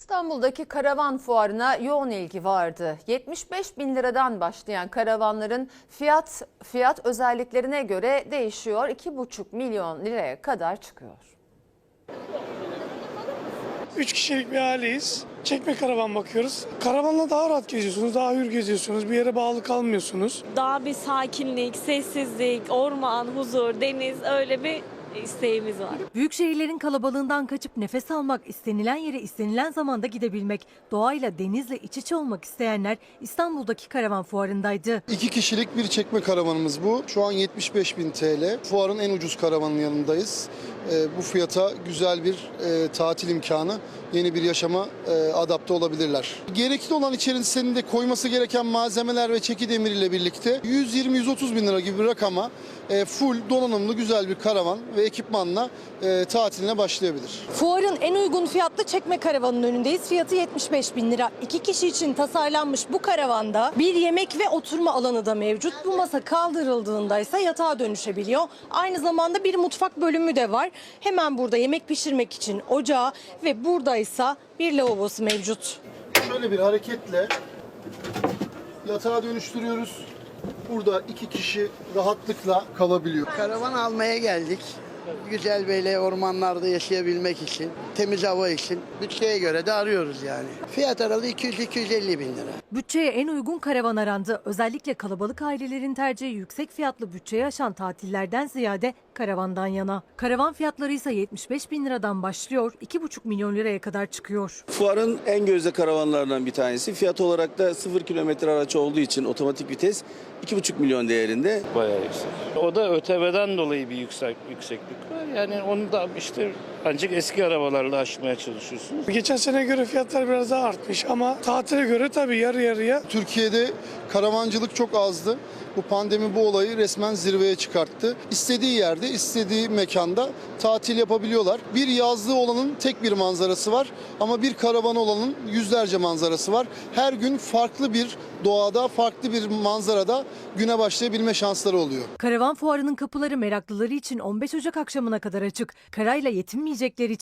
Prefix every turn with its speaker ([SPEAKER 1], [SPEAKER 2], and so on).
[SPEAKER 1] İstanbul'daki karavan fuarına yoğun ilgi vardı. 75 bin liradan başlayan karavanların fiyat özelliklerine göre değişiyor. 2,5 milyon liraya kadar çıkıyor.
[SPEAKER 2] 3 kişilik bir aileyiz. Çekme karavan bakıyoruz. Karavanla daha rahat geziyorsunuz, daha hür geziyorsunuz. Bir yere bağlı kalmıyorsunuz.
[SPEAKER 3] Daha bir sakinlik, sessizlik, orman, huzur, deniz öyle bir isteğimiz var.
[SPEAKER 4] Büyük şehirlerin kalabalığından kaçıp nefes almak, istenilen yere istenilen zamanda gidebilmek, doğayla, denizle iç içe olmak isteyenler İstanbul'daki karavan fuarındaydı.
[SPEAKER 5] 2 kişilik bir çekme karavanımız bu. Şu an 75.000 TL. Fuarın en ucuz karavanın yanındayız. Bu fiyata güzel bir tatil imkanı, yeni bir yaşama adapte olabilirler. Gerekli olan içerisinde koyması gereken malzemeler ve çeki demir ile birlikte 120-130 bin lira gibi bir rakama full donanımlı güzel bir karavan ve ekipmanla tatiline başlayabilir.
[SPEAKER 6] Fuarın en uygun fiyatlı çekme karavanın önündeyiz. Fiyatı 75 bin lira. 2 kişi için tasarlanmış bu karavanda bir yemek ve oturma alanı da mevcut. Bu masa kaldırıldığında ise yatağa dönüşebiliyor. Aynı zamanda bir mutfak bölümü de var. Hemen burada yemek pişirmek için ocağı ve burada ise bir lavabosu mevcut.
[SPEAKER 5] Şöyle bir hareketle yatağa dönüştürüyoruz. Burada 2 kişi rahatlıkla kalabiliyor.
[SPEAKER 7] Karavan almaya geldik. Güzel böyle ormanlarda yaşayabilmek için, temiz hava için bütçeye göre de arıyoruz yani. Fiyat aralığı 200-250 bin lira.
[SPEAKER 4] Bütçeye en uygun karavan arandı. Özellikle kalabalık ailelerin tercihi yüksek fiyatlı bütçeyi aşan tatillerden ziyade karavandan yana. Karavan fiyatları ise 75 bin liradan başlıyor, 2,5 milyon liraya kadar çıkıyor.
[SPEAKER 8] Fuarın en gözde karavanlarından bir tanesi. Fiyat olarak da 0 kilometre araç olduğu için otomatik vites 2,5 milyon değerinde.
[SPEAKER 9] Bayağı yüksek. O da ÖTV'den dolayı bir yükseklik var. Yani onu da işte ancak eski arabalarla aşmaya çalışıyorsunuz.
[SPEAKER 2] Geçen sene göre fiyatlar biraz daha artmış ama tatile göre tabii yarı yarıya.
[SPEAKER 5] Türkiye'de karavancılık çok azdı. Bu pandemi bu olayı resmen zirveye çıkarttı. İstediği yerde, istediği mekanda tatil yapabiliyorlar. Bir yazlığı olanın tek bir manzarası var ama bir karavanı olanın yüzlerce manzarası var. Her gün farklı bir doğada, farklı bir manzarada güne başlayabilme şansları oluyor.
[SPEAKER 4] Karavan fuarının kapıları meraklıları için 15 Ocak akşamına kadar açık. Karayla yetinmeyecekleri için